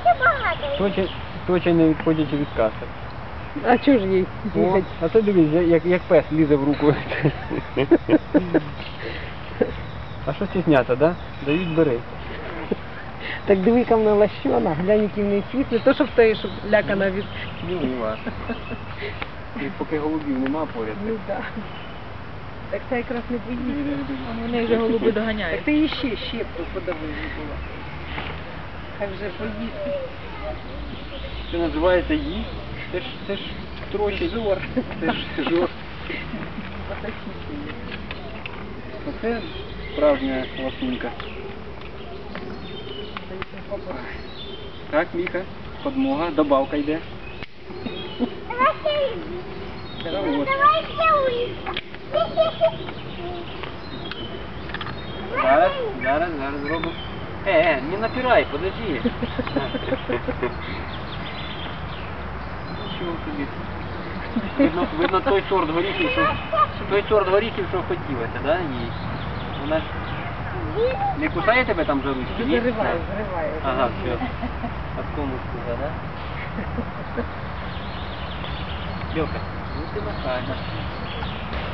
Точно не відходячи від каси. А чого ж їй О, бігать? а це дивись, як пес лізе в руку. А що стісняться, да? Дають, бери. Так диви-ка вона лощона, глянь, який в неї хвіст, не то, щоб той, щоб лякана від... Смілива. І поки голубів нема поряд. Ну так. Так це якраз не поїде. Вони вже голуби доганяють. Так ти її ще щепку подавив була. Хай вже поїсти. Це називається їсть. Це ж трохи жор. Це ж жор. Оце справжня ласунка. Так, Міха, подмога, добавка йде. Вот. Зараз зробимо. Не напирай, подожди. Чого тобі? Видно той сорт горіхів, що хотілося, да, їй? Вона ж не кусає тебе там за ручки? ні? Зариває. Ага, все. От кому сказав, да? Лёка, ну ты нахальна.